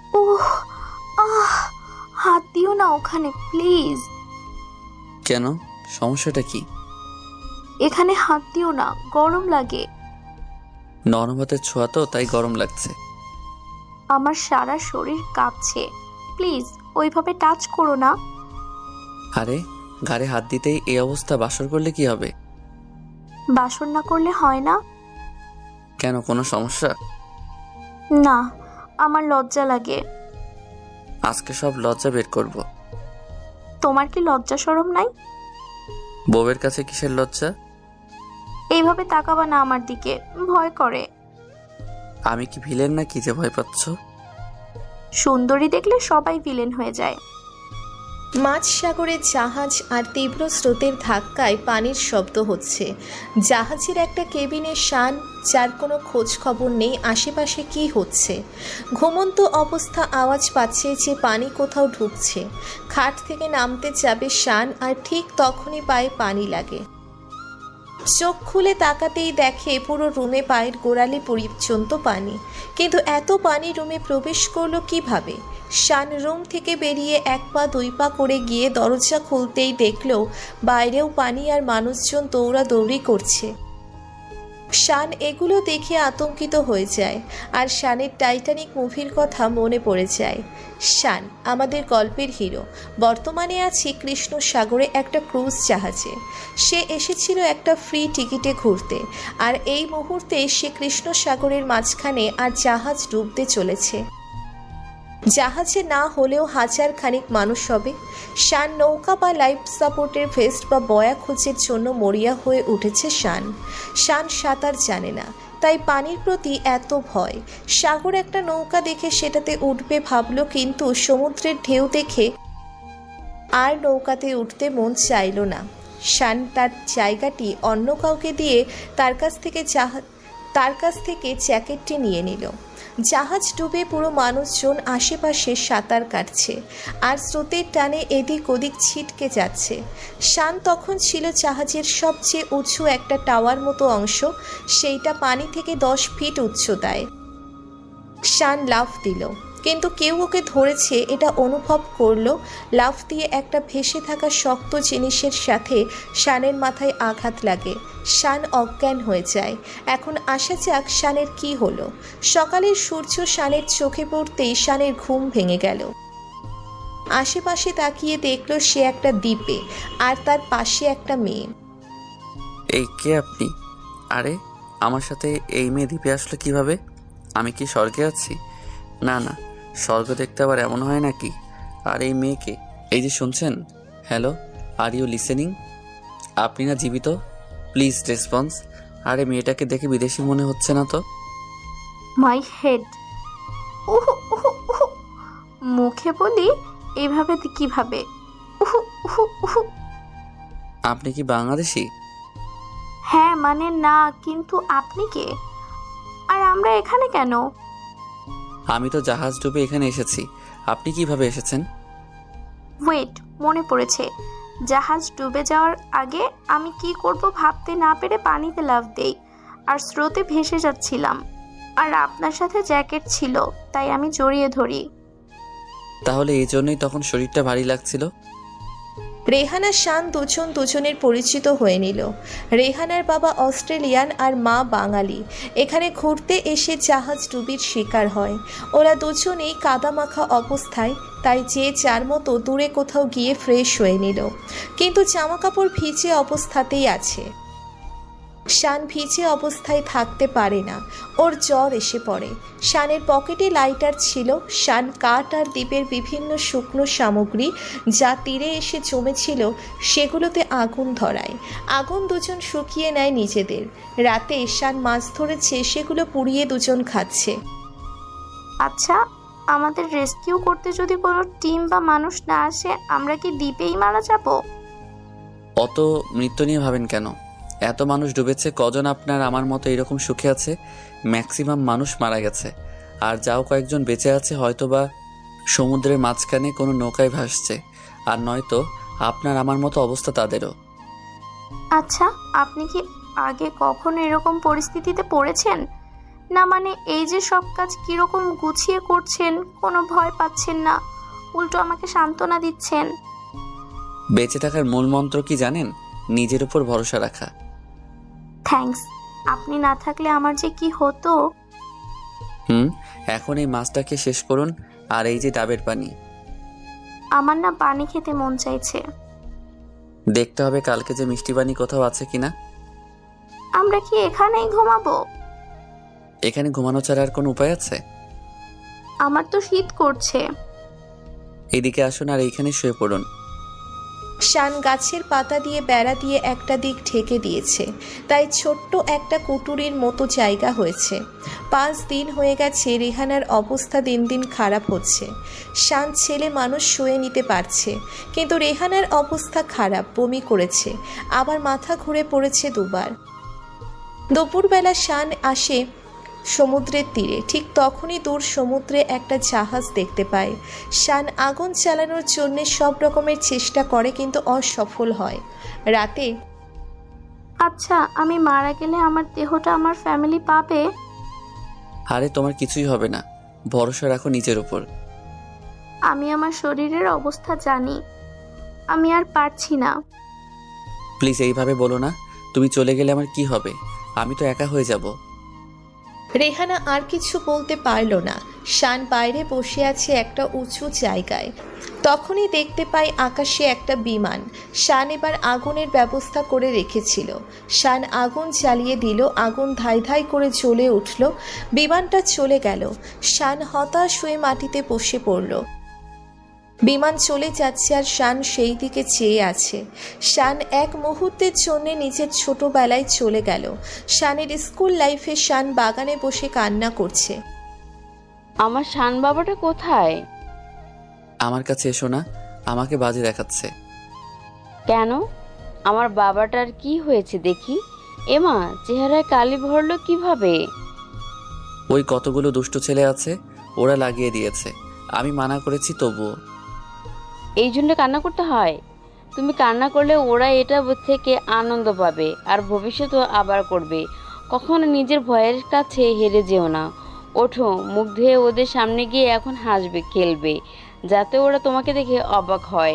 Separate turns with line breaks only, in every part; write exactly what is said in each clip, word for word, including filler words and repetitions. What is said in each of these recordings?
ওহ, আহ, হাত দিও না ওখানে প্লিজ।
কেন, সমস্যাটা কি?
এখানে হাত দিও না, গরম লাগে।
নরম হাতের ছোঁয়া তো, তাই গরম লাগছে।
আমার সারা শরীর কাঁপছে, প্লিজ ওইভাবে টাচ করো না।
আরে, ঘাড়ে হাত দিতেই এই অবস্থা, বাসর করলে কি হবে?
বাসন না করলে হয় না?
কেন, কোনো সমস্যা?
না, আমার লজ্জা লাগে।
আজকে সব লজ্জা বের করব।
তোমার কি লজ্জা শরম নাই?
বউয়ের কাছে কিসের লজ্জা?
এইভাবে তাকাবা না আমার দিকে, ভয় করে।
আমি কি ভিলেন না, কি যে ভয় পাচ্ছ?
সুন্দরী দেখলে সবাই ভিলেন হয়ে যায়।
মাঝ সাগরের জাহাজ আর তীব্র স্রোতের ধাক্কায় পানির শব্দ হচ্ছে। জাহাজের একটা কেবিনে শান, যার কোনো খোঁজ খবর নেই আশেপাশে কি হচ্ছে। ঘুমন্ত অবস্থা আওয়াজ পাচ্ছে যে পানি কোথাও ঢুকছে। খাট থেকে নামতে যাবে শান, আর ঠিক তখনই পায়ে পানি লাগে। চোখ খুলে তাকাতেই দেখে পুরো রুমে পায়ের গোড়ালি পর্যন্ত পানি। কিন্তু এত পানি রুমে প্রবেশ করলো কিভাবে? শান রুম থেকে বেরিয়ে এক পা দুই পা করে গিয়ে দরজা খুলতেই দেখল বাইরেও পানি আর মানুষজন দৌড়াদৌড়ি করছে। শান এগুলো দেখে আতঙ্কিত হয়ে যায়, আর শানের টাইটানিক মুভির কথা মনে পড়ে যায়। শান আমাদের গল্পের হিরো, বর্তমানে আছে কৃষ্ণ সাগরে একটা ক্রুজ জাহাজে। সে এসেছিল একটা ফ্রি টিকিটে ঘুরতে, আর এই মুহূর্তে সে কৃষ্ণ সাগরের মাঝখানে, আর জাহাজ ডুবতে চলেছে। জাহাজে না হলেও হাজার খানিক মানুষ হবে। শান নৌকা বা লাইফ সাপোর্টের ভেস্ট বা বয়া খোঁজের জন্য মরিয়া হয়ে উঠেছে। শান শান সাঁতার জানে না, তাই পানির প্রতি এত ভয়। সাগর একটা নৌকা দেখে সেটাতে উঠবে ভাবলো, কিন্তু সমুদ্রের ঢেউ দেখে আর নৌকাতে উঠতে মন চাইল না। শান তার জায়গাটি অন্য কাউকে দিয়ে তার কাছ থেকে জাহাজ তার কাছ থেকে জ্যাকেটটি নিয়ে নিল। জাহাজ ডুবে পুরো মানুষজন আশেপাশে সাঁতার কাটছে, আর স্রোতের টানে এদিক ওদিক ছিটকে যাচ্ছে। শান তখন ছিল জাহাজের সবচেয়ে উঁচু একটা টাওয়ার মতো অংশ, সেইটা পানি থেকে দশ ফিট উচ্চতায়। শান লাফ দিল, কিন্তু কেউ ওকে ধরেছে এটা অনুভব করলো। লাফ দিয়ে একটা ভেসে থাকা শক্ত জিনিসের সাথে শানের মাথায় আঘাত লাগে। শান অজ্ঞান হয়ে যায়। এখন আসা যাক শানের কি হলো। সকালের সূর্য শানের চোখে পড়তেই শানের ঘুম ভেঙে গেল। আশেপাশে তাকিয়ে দেখলো সে একটা দ্বীপে, আর তার পাশে একটা মেয়ে।
এই কে আপনি? আরে, আমার সাথে এই মেয়ে দ্বীপে আসলো কিভাবে? আমি কি স্বর্গে আছি? না না, স্বর্গ দেখতে আবার এমন হয় নাকি? আর এই মেয়েকে, এই যে শুনছেন, হ্যালো, আর ইউ লিসেনিং? আপনি না জীবিত? Please response. আরে, মেয়েটাকে দেখে বিদেশি মনে হচ্ছে না তো?
My head. উহ উহ উহ, মুখে বলি এভাবে কিভাবে? উহ উহ উহ।
আপনি কি বাংলাদেশি?
হ্যাঁ মানে না, কিন্তু আপনি কে? আর আমরা এখানে কেন?
আমি তো জাহাজ ডুবে এখানে এসেছি। আপনি কিভাবে এসেছেন?
ওয়েট, মনে পড়েছে। জাহাজ ডুবে যাওয়ার আগে আমি কি করব ভাবতে না পেরে পানিতে লাফ দেই, আর স্রোতে ভেসে যাচ্ছিলাম। আর আপনার সাথে জ্যাকেট ছিল, তাই আমি জড়িয়ে ধরি।
তাহলে এই জন্যই তখন শরীরটা ভারী লাগছিল?
রেহানা শান দুজন দুজনের পরিচিত হয়ে নিল। রেহানার বাবা অস্ট্রেলিয়ান আর মা বাঙালি। এখানে ঘুরতে এসে জাহাজ ডুবির শিকার হয়। ওরা দুজনেই কাদামাখা অবস্থায়, তাই যে যার মতো দূরে কোথাও গিয়ে ফ্রেশ হয়ে নিল, কিন্তু জামাকাপড় ভিজে অবস্থাতেই আছে। শান ভিজে অবস্থায় থাকতে পারে না, ওর জ্বর এসে পড়ে। শানের পকেটে লাইটার ছিল। শান কাঠ আর দ্বীপের বিভিন্ন শুকনো সামগ্রী যা তীরে এসে জমেছিল সেগুলোতে আগুন ধরায়। আগুন দুজন শুকিয়ে নেয় নিজেদের। রাতে শান মাছ ধরেছে, সেগুলো পুড়িয়ে দুজন খাচ্ছে।
আচ্ছা, আমাদের রেস্কিউ করতে যদি কোনো টিম বা মানুষ না আসে, আমরা কি দ্বীপেই মারা যাব?
অত মৃত্যু নিয়ে ভাবেন কেন? এত মানুষ ডুবেছে, কজন আপনার আমার মতো এরকম সুখে আছে? ম্যাক্সিমাম মানুষ মারা গেছে, আর যাও কয়েকজন বেঁচে আছে হয়তোবা সমুদ্রের মাঝখানে কোনো নৌকায় ভাসছে, আর নয়তো আপনার আমার মতো অবস্থা তাদেরও।
আচ্ছা, আপনি কি আগে কখনো এরকম পরিস্থিতিতে পড়েছেন? না মানে এই যে সব কাজ কিরকম গুছিয়ে করছেন, কোনো ভয় পাচ্ছেন না, উল্টো আমাকে সান্ত্বনা দিচ্ছেন।
বেঁচে থাকার মূল মন্ত্র কি জানেন? নিজের উপর ভরসা রাখা।
থ্যাঙ্কস। আপনি না থাকলে আমার যে কি হতো।
হুম, এখন এই মাছটাকে শেষ করুন, আর এই যে ডাবের পানি।
আমার না পানি খেতে মন চাইছে।
দেখতে হবে কালকে যে মিষ্টি পানি কোথাও আছে কিনা।
আমরা কি এখানেই ঘুমাবো?
এখানে ঘুমানো ছাড়া আর কোনো উপায় আছে?
আমার তো শীত করছে।
এইদিকে আসুন আর এইখানে শুয়ে পড়ুন।
শান গাছের পাতা দিয়ে বেড়া দিয়ে একটা দিক ঢেকে দিয়েছে, তাই ছোট্ট একটা কুটুরির মতো জায়গা হয়েছে। পাঁচ দিন হয়ে গেছে, রেহানার অবস্থা দিন দিন খারাপ হচ্ছে। শান ছেলে মানুষ শুয়ে নিতে পারছে, কিন্তু রেহানার অবস্থা খারাপ, বমি করেছে, আবার মাথা ঘুরে পড়েছে দুবার। দুপুরবেলা শান আসে সমুদ্রের তীরে, ঠিক তখনই দূর সমুদ্রে একটা জাহাজ দেখতে পায়। শান আগুন চালানোর জন্য সব রকমের চেষ্টা করে, কিন্তু অসফল হয়। রাতে
আচ্ছা, আমি মারা গেলে আমার দেহটা আমার ফ্যামিলি পাবে?
আরে তোমার কিছুই হবে না, ভরসা রাখো নিজের উপর।
আমি আমার শরীরের অবস্থা জানি, আমি আর পারছি না।
প্লিজ এইভাবে বলো না। তুমি চলে গেলে আমার কি হবে? আমি তো একা হয়ে যাব।
রেহানা আর কিছু বলতে পারল না। শান বাইরে বসে আছে একটা উঁচু জায়গায়। তখনই দেখতে পায় আকাশে একটা বিমান। শান এবার আগুনের ব্যবস্থা করে রেখেছিল। শান আগুন জ্বালিয়ে দিল, আগুন ধাই ধাই করে জ্বলে উঠল। বিমানটা চলে গেল। শান হতাশ হয়ে মাটিতে বসে পড়ল। বিমান চলে যাচ্ছে আর শান সেই দিকে চেয়ে আছে। শান এক মুহূর্তের জন্য নিজের ছোটবেলায় চলে গেল। শানের স্কুল লাইফে শান বাগানে বসে কান্না করছে।
আমার শান বাবাটা কোথায়?
আমার কাছে এসো না, আমাকে বাজে দেখাচ্ছে।
কেন? আমার বাবাটার কি হয়েছে দেখি। এমা, চেহারায় কালি ভরলো কিভাবে?
ওই কতগুলো দুষ্ট ছেলে আছে, ওরা লাগিয়ে দিয়েছে। আমি মানা করেছি তবুও।
এই জন্য কান্না করতে হয়? তুমি কান্না করলে ওরা এটা থেকে আনন্দ পাবে আর ভবিষ্যতেও আবার করবে। কখনো নিজের ভয়ের কাছে হেরে যেও না। ওঠো, মুখ ধুয়ে ওদের সামনে গিয়ে এখন হাসবে, খেলবে, যাতে ওরা তোমাকে দেখে অবাক হয়।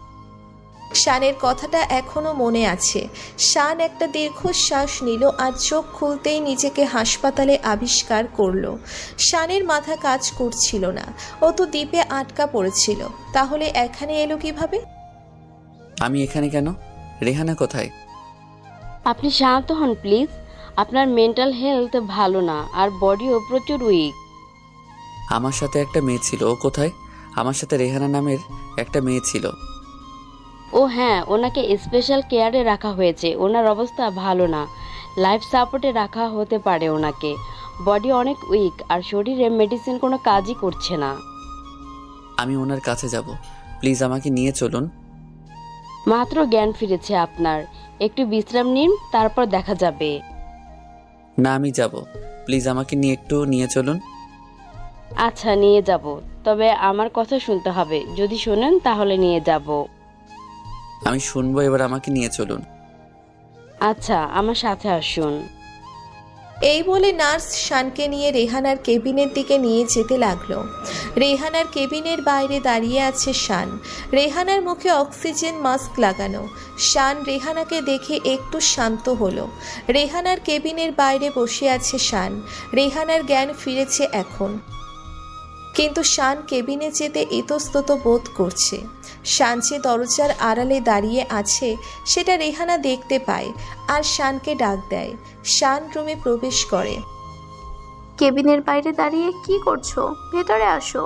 শানের কথাটা এখনো মনে আছে। শান একটা দীর্ঘশ্বাস নিল আর চোখ খুলতেই নিজেকে হাসপাতালে আবিষ্কার করলো। শানের মাথা কাজ করছিল না, ও তো দ্বীপে আটকা পড়েছিল। তাহলে এখানে এলো কিভাবে?
আমি এখানে কেন? রেহানা কোথায়?
আপনি শান্ত হন প্লিজ। আপনার মেন্টাল হেলথ ভালো না আর বডিও প্রচুর উইক।
আমার সাথে একটা মেয়ে ছিল, ও কোথায়? আমার সাথে রেহানা নামের একটা মেয়ে ছিল।
ও হ্যাঁ, ওনাকে স্পেশাল কেয়ারে রাখা হয়েছে। ওনার অবস্থা ভালো না, লাইফ সাপোর্টে রাখা হতে পারে ওনাকে। বডি অনেক উইক আর শরীরে মেডিসিন কোনো কাজই করছে না।
আমি ওনার কাছে যাব, প্লিজ আমাকে নিয়ে চলুন।
মাত্র জ্ঞান ফিরেছে আপনার, একটু বিশ্রাম নিন, তারপর দেখা যাবে।
না, আমি যাব, প্লিজ আমাকে নিয়ে একটু নিয়ে চলুন।
আচ্ছা, নিয়ে যাব, তবে আমার কথা শুনতে হবে। যদি শোনেন তাহলে নিয়ে যাব।
আমি শুনবো, এবার আমাকে নিয়ে চলুন।
আচ্ছা, আমার সাথে আসুন।
এই বলে নার্স শানকে নিয়ে রেহানার কেবিনের দিকে নিয়ে যেতে লাগলো। রেহানার কেবিনের বাইরে দাঁড়িয়ে আছে শান। রেহানার মুখে অক্সিজেন মাস্ক লাগানো। শান রেহানাকে দেখে একটু শান্ত হলো। রেহানার কেবিনের বাইরে বসে আছে শান। রেহানার জ্ঞান ফিরেছে এখন, কিন্তু শান কেবিনে যেতে ইতস্তত বোধ করছে। শান যে দরজার আড়ালে দাঁড়িয়ে আছে সেটা রেহানা দেখতে পায় আর শানকে ডাক দেয়। শান রুমে প্রবেশ করে।
কেবিনের বাইরে দাঁড়িয়ে কি করছো? ভেতরে আসো।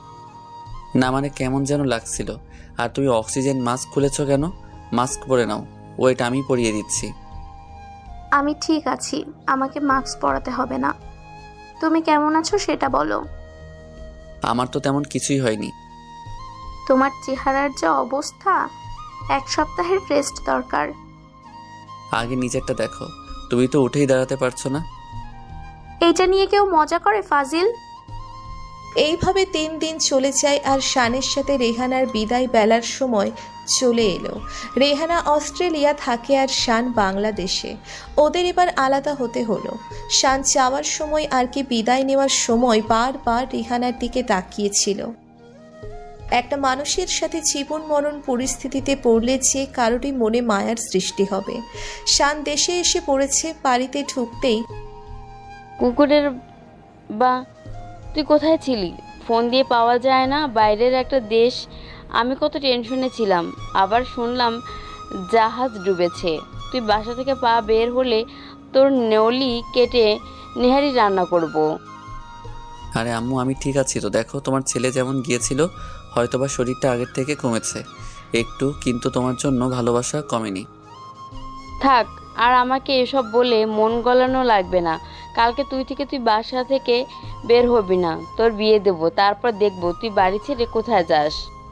না মানে কেমন যেন লাগছিল। আর তুমি অক্সিজেন মাস্ক খুলেছো কেন? মাস্ক পরে নাও, ওইটা আমি পরিয়ে দিচ্ছি।
আমি ঠিক আছি, আমাকে মাস্ক পরাতে হবে না। তুমি কেমন আছো সেটা বলো।
আমার তো তেমন কিছুই হয়নি।
তোমার চেহারার যা অবস্থা, এক সপ্তাহের রেস্ট দরকার।
আগে নিজেরটা দেখো, তুমি তো উঠেই দাঁড়াতে পারছো না।
এইটা নিয়ে কেউ মজা করে ফাজিল?
এইভাবে তিন দিন চলে যায় আর শানের সাথে রেহানার বিদায় বেলার সময় চলে এলো। রেহানা অস্ট্রেলিয়া থাকে আর শান বাংলাদেশে। ওদের এবার আলাদা হতে হলো। শান যাওয়ার সময় আর কি বিদায় নেওয়ার সময় বারবার রেহানার দিকে তাকিয়েছিল। একটা মানুষের সাথে জীবন মরণ পরিস্থিতিতে পড়লে যে কারোরই মনে মায়ার সৃষ্টি হবে। শান দেশে এসে পড়েছে। বাড়িতে ঢুকতেই
কুকুরের বা তুই কোথায় ছিলি? ফোন দিয়ে পাওয়া যায় না, বাইরের একটা দেশ। আমি কত টেনশনে ছিলাম। আবার শুনলাম জাহাজ ডুবেছে। তুই বাসা থেকে পা বের হলে তোর নেউলি কেটে নেহারি রান্না করব।
আরে আম্মু, আমি ঠিক আছি তো। দেখো, তোমার ছেলে যেমন গিয়েছিল, হয়তোবা শরীরটা আগের থেকে কমেছে একটু, কিন্তু তোমার জন্য ভালোবাসা কমেনি।
থাক, আর আমাকে এসব বলে মন গলানো লাগবে না। কালকে তুই থেকে তুই বাসা থেকে বের হবি না। তোর বিয়ে দেব, তারপর দেখবো তুই বাড়ি ছেড়ে কোথায় যাস।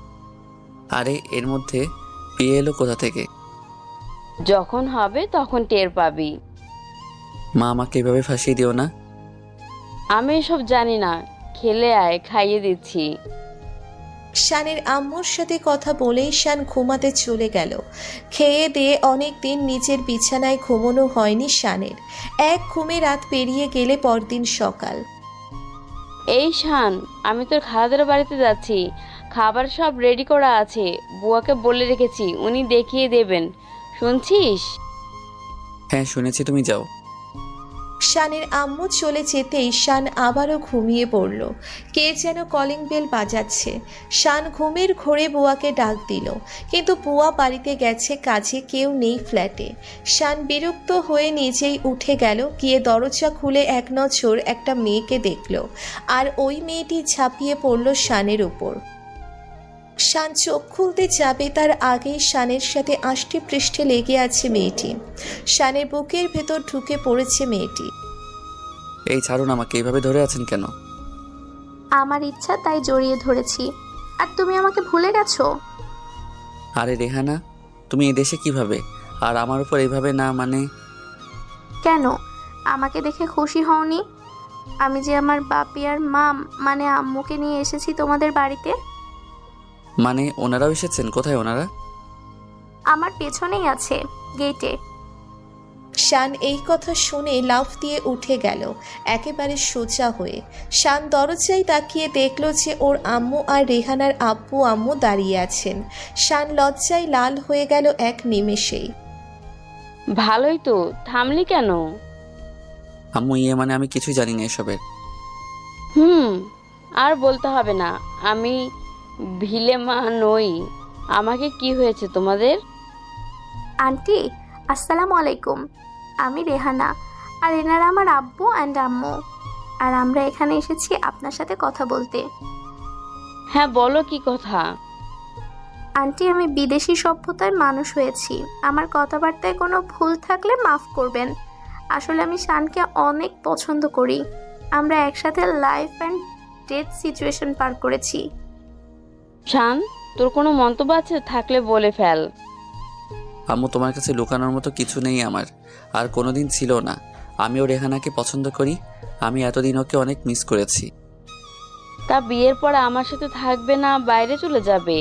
আরে এর মধ্যে বিয়ে এলো কোথা থেকে?
যখন হবে তখন টের পাবি।
মা, আমাকে এভাবে ফাঁসিয়ে দিও না।
আমি এসব জানি না। খেলে আয়, খাইয়ে দিচ্ছি।
শানের আম্মুর সাথে কথা বলেই শান ঘুমাতে চলে গেল। খেয়ে দিয়ে অনেক দিন নিজের বিছানায় ঘুমানো হয়নি শানের। এক ঘুমে রাত পেরিয়ে গেলে পরদিন সকাল।
এই শান, আমি তোর খালাদের বাড়িতে যাচ্ছি। খাবার সব রেডি করা আছে। বুয়াকে বলে রেখেছি, উনি দেখিয়ে দেবেন। শুনছিস?
হ্যাঁ শুনেছি, তুমি যাও।
শানের আম্মু চলে যেতেই শান আবারও ঘুমিয়ে পড়ল। কে যেন কলিং বেল বাজাচ্ছে। শান ঘুমের ঘোরে বুয়াকে ডাক দিল, কিন্তু বুয়া বাড়িতে গেছে কাজে, কেউ নেই ফ্ল্যাটে। শান বিরক্ত হয়ে নিজেই উঠে গেল। গিয়ে দরজা খুলে এক নজর একটা মেয়েকে দেখল, আর ওই মেয়েটি ঝাঁপিয়ে পড়ল শানের উপর। শান চোখ খুলতে যাবে তার আগেই শানের সাথে আষ্টে পৃষ্ঠে লেগে আছে মেয়েটি। শানের বুকের ভেতর ঢুকে পড়েছে মেয়েটি।
এই ছাড়ুন আমাকে, এইভাবে ধরে আছেন কেন?
আমার ইচ্ছা তাই জড়িয়ে ধরেছি। আর তুমি আমাকে ভুলে গেছো?
আরে রেহানা, তুমি এই দেশে কিভাবে? আর আমার উপর এইভাবে না মানে?
কেন, আমাকে দেখে খুশি হওনি? আমি যে আমার বাপি আর মা মানে আম্মুকে নিয়ে এসেছি তোমাদের বাড়িতে।
মানে ওনারাও এসেছেন? কোথায় ওনারা?
আমার পেছনেই আছে, গেটে।
শান এই কথা শুনে লাফ দিয়ে উঠে গেল একেবারে সোজা হয়ে। শান দরজায় তাকিয়ে দেখল যে ওর আম্মু আর রেহানার আব্বু আম্মু দাঁড়িয়ে আছেন। শান লজ্জায় লাল হয়ে গেল এক নিমেষেই।
ভালোই তো, থামলি কেন?
আম্মু, ইয়ে মানে আমি কিছুই জানি না এসবের।
হুম, আর বলতে হবে না। আমি ভিলে মা নই। আমাকে কি হয়েছে তোমাদের?
আন্টি, আসসালামু আলাইকুম। আমি রেহানা, আর এনারা আমার আব্বু অ্যান্ড আম্মু। আর আমরা এখানে এসেছি আপনার সাথে কথা বলতে।
হ্যাঁ বলো, কি কথা?
আন্টি, আমি বিদেশি সভ্যতায় মানুষ হয়েছি। আমার কথাবার্তায় কোনো ভুল থাকলে মাফ করবেন। আসলে আমি শানকে অনেক পছন্দ করি। আমরা একসাথে লাইফ অ্যান্ড ডেথ সিচুয়েশন পার করেছি।
শান, তোর কোনো মন্তব্য আছে? থাকলে বলে ফেল।
আম্মু, তোমার কাছে লুকানোর মতো কিছু নেই আমার, আর কোনোদিন ছিল না। আমিও রেহানাকে পছন্দ করি। আমি এতদিন ওকে অনেক মিস করেছি।
তা বিয়ের পর আমার সাথে থাকবে না, বাইরে চলে যাবে?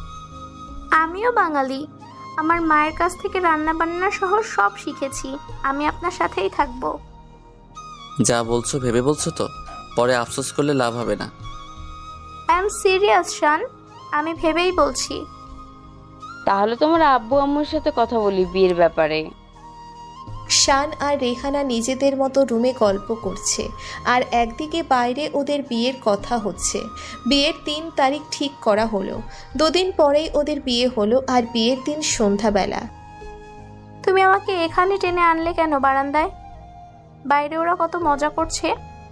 আমিও বাঙালি। আমার মায়ের কাছ থেকে রান্না বান্না সহ সব শিখেছি। আমি আপনার সাথেই থাকবো।
যা বলছো ভেবে বলছো তো? পরে আফসোস করলে লাভ হবে না।
আই এম সিরিয়াস শান, আমি ভেবেই বলছি।
তাহলে তোমার আব্বু আম্মুর সাথে কথা বলি বিয়ের ব্যাপারে।
শান আর রেহানা নিজেদের মতো রুমে গল্প করছে, আর একদিকে বাইরে ওদের বিয়ের কথা হচ্ছে। বিয়ের তিন তারিখ ঠিক করা হলো। দুদিন পরেই ওদের বিয়ে হলো, আর বিয়ের দিন সন্ধ্যাবেলা।
তুমি আমাকে এখানে টেনে আনলে কেন বারান্দায়? বাইরে ওরা কত মজা করছে।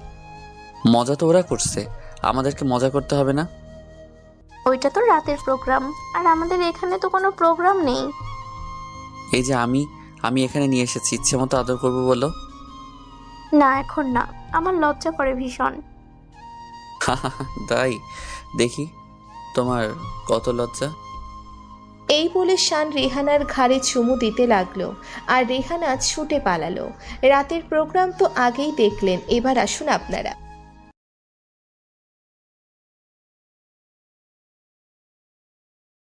মজা তো ওরা করছে, আমাদেরকে মজা করতে হবে না?
ওইটা তো রাতের প্রোগ্রাম, আর আমাদের এখানে তো কোনো প্রোগ্রাম নেই।
এই যে আমি আমি এখানে নিয়ে এসেছি, ইচ্ছে মতো আদর করবো বলো।
না, এখন না, আমার লজ্জা করে ভীষণ।
তাই? দেখি তোমার কত লজ্জা।
এই বলে শান রেহানার ঘাড়ে চুমু দিতে লাগলো, আর রেহানা ছুটে পালালো। রাতের প্রোগ্রাম তো আগেই দেখলেন, এবার আসুন আপনারা।